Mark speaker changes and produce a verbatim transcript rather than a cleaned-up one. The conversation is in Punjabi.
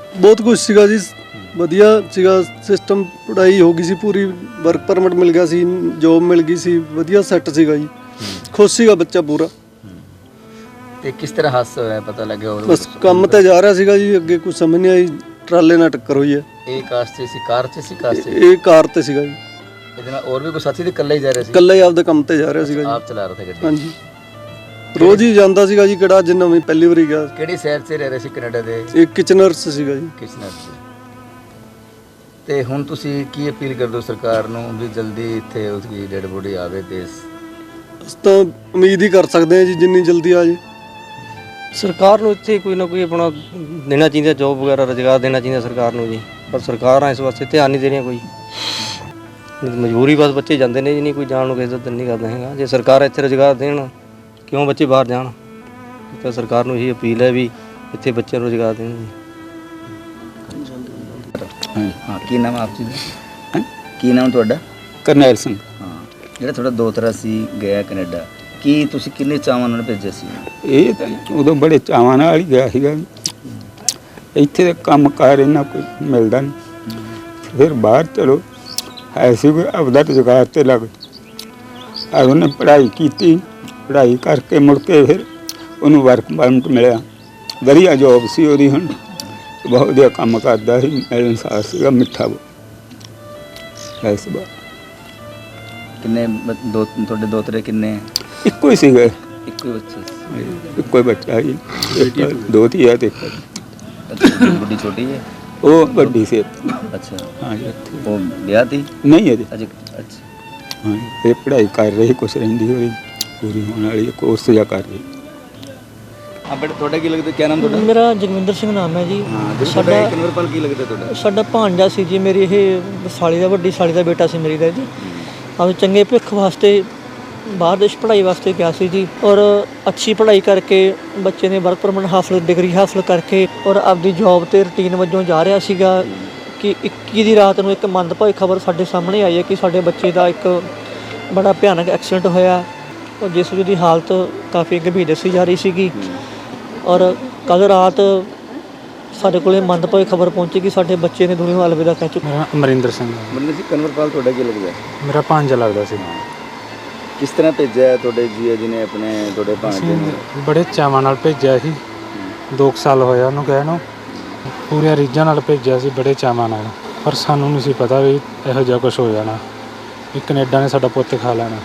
Speaker 1: ਬਹੁਤ ਕੁਝ ਸੀਗਾ ਜੀ, ਵਧੀਆ ਸੀਗਾ ਸਿਸਟਮ। ਪੜ੍ਹਾਈ ਹੋ ਗਈ ਸੀ ਪੂਰੀ, ਵਰਕ ਪਰਮਿਟ ਮਿਲ ਗਿਆ ਸੀ, ਜੋਬ ਮਿਲ ਗਈ ਸੀ, ਵਧੀਆ ਸੈੱਟ ਸੀਗਾ ਜੀ। ਖੁਸ਼ ਸੀਗਾ ਬੱਚਾ ਪੂਰਾ।
Speaker 2: ਤੇ ਕਿਸ ਤਰ੍ਹਾਂ ਹਾਦਸਾ ਹੋਇਆ ਪਤਾ ਲੱਗਿਆ?
Speaker 1: ਬਸ ਕੰਮ ਤੇ ਜਾ ਰਿਹਾ ਸੀਗਾ ਜੀ, ਅੱਗੇ ਕੁਝ ਸਮਝ ਨਹੀਂ ਆਈ, ਟਰਾਲੇ ਨਾਲ ਟੱਕਰ ਹੋਈ ਹੈ।
Speaker 2: ਇਹ ਕਾਰ 'ਚ ਸੀ, ਕਾਰ 'ਚ ਸੀ, ਕਾਰ 'ਚ?
Speaker 1: ਇਹ ਕਾਰ ਤੇ ਸੀਗਾ ਜੀ।
Speaker 2: ਇਹਦੇ ਨਾਲ ਹੋਰ ਵੀ ਕੋਈ ਸਾਥੀ ਤੇ ਇਕੱਲਾ ਹੀ ਜਾ ਰਿਹਾ ਸੀ?
Speaker 1: ਇਕੱਲਾ ਹੀ ਆਪਦੇ ਕੰਮ ਤੇ ਜਾ ਰਿਹਾ ਸੀਗਾ ਜੀ।
Speaker 2: ਆਪ ਚਲਾ ਰਿਹਾ ਸੀ ਗੱਡੀ?
Speaker 1: ਹਾਂਜੀ, ਰੋਜ਼ ਹੀ ਜਾਂਦਾ ਸੀਗਾ ਜੀ। ਕਿਹੜਾ ਅੱਜ ਨਵੀਂ ਪਹਿਲੀ ਵਾਰੀ ਗਿਆ।
Speaker 2: ਕਿਹੜੀ ਸ਼ਹਿਰ 'ਚ ਰਹਿ ਰਹੇ ਸੀ ਕੈਨੇਡਾ ਦੇ?
Speaker 1: ਇਹ ਕਿਚਨਰਸ ਸੀਗਾ ਜੀ।
Speaker 2: ਕਿਚਨਰ 'ਚ। ਤੇ ਹੁਣ ਤੁਸੀਂ ਕੀ ਅਪੀਲ ਕਰਦੇ ਹੋ ਸਰਕਾਰ ਨੂੰ ਵੀ ਜਲਦੀ ਇੱਥੇ ਉਸਦੀ ਡੈਡ ਬੋਡੀ ਆਵੇ? ਤੇ
Speaker 1: ਅਸੀਂ ਤਾਂ ਉਮੀਦ ਹੀ ਕਰ ਸਕਦੇ ਹਾਂ ਜੀ ਜਿੰਨੀ ਜਲਦੀ ਆ ਜੇ।
Speaker 3: ਸਰਕਾਰ ਨੂੰ ਇੱਥੇ ਕੋਈ ਨਾ ਕੋਈ ਆਪਣਾ ਦੇਣਾ ਚਾਹੀਦਾ, ਜੋਬ ਵਗੈਰਾ ਰੁਜ਼ਗਾਰ ਦੇਣਾ ਚਾਹੀਦਾ ਸਰਕਾਰ ਨੂੰ ਜੀ। ਪਰ ਸਰਕਾਰਾਂ ਇਸ ਵਾਸਤੇ ਧਿਆਨ ਨਹੀਂ ਦੇ ਰਹੀਆਂ ਕੋਈ। ਮਜਬੂਰੀ ਬਸ ਬੱਚੇ ਜਾਂਦੇ ਨੇ ਜੀ, ਨਹੀਂ ਕੋਈ ਜਾਣ ਨੂੰ ਕਿਸੇ ਦਾ ਦਿਲ ਨਹੀਂ ਕਰਦਾ ਹੈਗਾ। ਜੇ ਸਰਕਾਰ ਇੱਥੇ ਰੁਜ਼ਗਾਰ ਦੇਣ, ਕਿਉਂ ਬੱਚੇ ਬਾਹਰ ਜਾਣ? ਤਾਂ ਸਰਕਾਰ ਨੂੰ ਇਹੀ ਅਪੀਲ ਹੈ ਵੀ ਇੱਥੇ ਬੱਚਿਆਂ ਨੂੰ ਰੁਜ਼ਗਾਰ ਦੇਣ ਜੀ।
Speaker 2: ਹਾਂ, ਕੀ ਨਾਮ ਆਪ ਜੀ ਦਾ? ਕੀ ਨਾਮ ਤੁਹਾਡਾ?
Speaker 4: ਕਰਨੈਲ ਸਿੰਘ।
Speaker 2: ਹਾਂ, ਜਿਹੜਾ ਤੁਹਾਡਾ ਦੋਤਰਾ ਸੀ ਗਿਆ ਕੈਨੇਡਾ, ਕੀ ਤੁਸੀਂ ਕਿੰਨੇ ਚਾਵਾਂ ਨਾਲ ਭੇਜਿਆ ਸੀ?
Speaker 4: ਇਹ ਤਾਂ ਉਦੋਂ ਬੜੇ ਚਾਵਾਂ ਨਾਲ ਹੀ ਗਿਆ ਸੀਗਾ। ਇੱਥੇ ਤਾਂ ਕੰਮ ਕਾਰ ਇਹਨਾਂ ਕੋਈ ਮਿਲਦਾ ਨਹੀਂ। ਫਿਰ ਬਾਹਰ ਚਲੋ ਐਸੀ ਕੋਈ ਆਪਦਾ ਰੁਜ਼ਗਾਰ ਤੇ ਲੱਗ ਆ। ਉਹਨੇ ਪੜ੍ਹਾਈ ਕੀਤੀ, ਪੜ੍ਹਾਈ ਕਰਕੇ ਮੁੜ ਕੇ ਫਿਰ ਉਹਨੂੰ ਵਰਕ ਪਰਮਿਟ ਮਿਲਿਆ, ਵਧੀਆ ਜੋਬ ਸੀ ਉਹਦੀ। ਹੁਣ ਬਹੁਤ ਵਧੀਆ ਕੰਮ ਕਰਦਾ ਸੀ, ਮਿਲਣਸਾਰ ਸੀਗਾ, ਮਿੱਠਾ ਐਸ ਬਾ।
Speaker 2: ਕਿੰਨੇ ਬ- ਦੋ ਤੁਹਾਡੇ ਦੋਤਰੇ ਕਿੰਨੇ?
Speaker 4: ਇੱਕੋ ਹੀ ਸੀਗਾ,
Speaker 2: ਇੱਕੋ ਹੀ ਬੱਚਾ ਸੀ?
Speaker 4: ਇੱਕੋ ਹੀ ਬੱਚਾ ਸੀ। ਇੱਕ ਦੋ ਧੀਆ ਤੇ ਇੱਕ
Speaker 2: ਅੱਛਾ, ਬੁੱਢੀ ਛੋਟੀ ਹੈ?
Speaker 4: ਉਹ ਵੱਡੀ ਸੀ।
Speaker 2: ਅੱਛਾ,
Speaker 4: ਹਾਂ ਜੀ।
Speaker 2: ਉਹ ਵਿਆਹ ਤੀ?
Speaker 4: ਨਹੀਂ ਅਜੇ।
Speaker 2: ਅਜੇ? ਅੱਛਾ।
Speaker 4: ਹਾਂ, ਇਹ ਪੜ੍ਹਾਈ ਕਰ ਰਹੀ, ਕੁਛ ਰਹਿੰਦੀ ਹੋਈ ਪੂਰੀ ਹੋਣ ਵਾਲੀ, ਕੋਰਸ ਜਾ ਕਰ ਰਹੀ।
Speaker 2: ਹਾਂ ਬੇਟਾ, ਤੁਹਾਡਾ ਕੀ ਲੱਗਦਾ? ਕੀ ਨਾਮ ਤੁਹਾਡਾ?
Speaker 5: ਮੇਰਾ ਜਗਵਿੰਦਰ ਸਿੰਘ ਨਾਮ ਹੈ ਜੀ।
Speaker 2: ਹਾਂ,
Speaker 5: ਸਾਡਾ
Speaker 2: ਕਨਵਰਪਾਲ ਕੀ ਲੱਗਦਾ ਤੁਹਾਡਾ?
Speaker 5: ਸਾਡਾ ਭਾਂਜਾ ਸੀ ਜੀ, ਮੇਰੀ ਇਹ ਸਾਲੀ ਦਾ, ਵੱਡੀ ਸਾਲੀ ਦਾ ਬੇਟਾ ਸੀ ਮੇਰੀ ਦਾ ਜੀ। ਆਪ ਚੰਗੇ ਭਵਿੱਖ ਵਾਸਤੇ ਬਾਹਰ ਦੇਸ਼ ਪੜ੍ਹਾਈ ਵਾਸਤੇ ਗਿਆ ਸੀ ਜੀ। ਔਰ ਅੱਛੀ ਪੜ੍ਹਾਈ ਕਰਕੇ ਬੱਚੇ ਨੇ ਵਰਕ ਪਰਮਿਟ ਹਾਸਲ, ਡਿਗਰੀ ਹਾਸਲ ਕਰਕੇ ਔਰ ਆਪਦੀ ਜੌਬ 'ਤੇ ਰੂਟੀਨ ਵਜੋਂ ਜਾ ਰਿਹਾ ਸੀਗਾ ਕਿ ਇੱਕੀ ਦੀ ਰਾਤ ਨੂੰ ਇੱਕ ਮੰਦਭਾਗੀ ਖਬਰ ਸਾਡੇ ਸਾਹਮਣੇ ਆਈ ਹੈ ਕਿ ਸਾਡੇ ਬੱਚੇ ਦਾ ਇੱਕ ਬੜਾ ਭਿਆਨਕ ਐਕਸੀਡੈਂਟ ਹੋਇਆ, ਔਰ ਜਿਸ ਦੀ ਹਾਲਤ ਕਾਫੀ ਗੰਭੀਰ ਦੱਸੀ ਜਾ ਰਹੀ ਸੀਗੀ। ਔਰ ਕੱਲ੍ਹ ਰਾਤ ਸਾਡੇ ਕੋਲ ਮੰਦਭਾਗੀ ਖਬਰ ਪਹੁੰਚੀ ਕਿ ਸਾਡੇ ਬੱਚੇ ਨੇ ਦੁਨੀਆ ਨੂੰ ਅਲਵਿਦਾ ਕਹਿ ਚੁੱਕੇ।
Speaker 6: ਮੇਰਾ ਅਮਰਿੰਦਰ ਸਿੰਘ।
Speaker 2: ਬੰਦੇ ਸੀ ਕਨਵਰਪਾਲ, ਤੁਹਾਡਾ ਕੀ ਲੱਗਦਾ?
Speaker 6: ਮੇਰਾ ਭਾਂਜਾ ਲੱਗਦਾ ਸੀ।
Speaker 2: ਕਿਸ ਤਰ੍ਹਾਂ ਭੇਜਿਆ ਤੁਹਾਡੇ ਜੀਆ ਜੀ ਨੇ ਆਪਣੇ ਤੁਹਾਡੇ ਭਾਂਜੇ ਨੂੰ?
Speaker 6: ਅਸੀਂ ਬੜੇ ਚਾਵਾਂ ਨਾਲ ਭੇਜਿਆ ਸੀ, ਦੋ ਕੁ ਸਾਲ ਹੋਇਆ ਉਹਨੂੰ ਗਏ ਨੂੰ। ਪੂਰੇ ਰੀਝਾਂ ਨਾਲ ਭੇਜਿਆ ਸੀ, ਬੜੇ ਚਾਵਾਂ ਨਾਲ। ਪਰ ਸਾਨੂੰ ਨਹੀਂ ਸੀ ਪਤਾ ਵੀ ਇਹੋ ਜਿਹਾ ਕੁਛ ਹੋ ਜਾਣਾ, ਵੀ ਕੈਨੇਡਾ ਨੇ ਸਾਡਾ ਪੁੱਤ ਖਾ ਲੈਣਾ।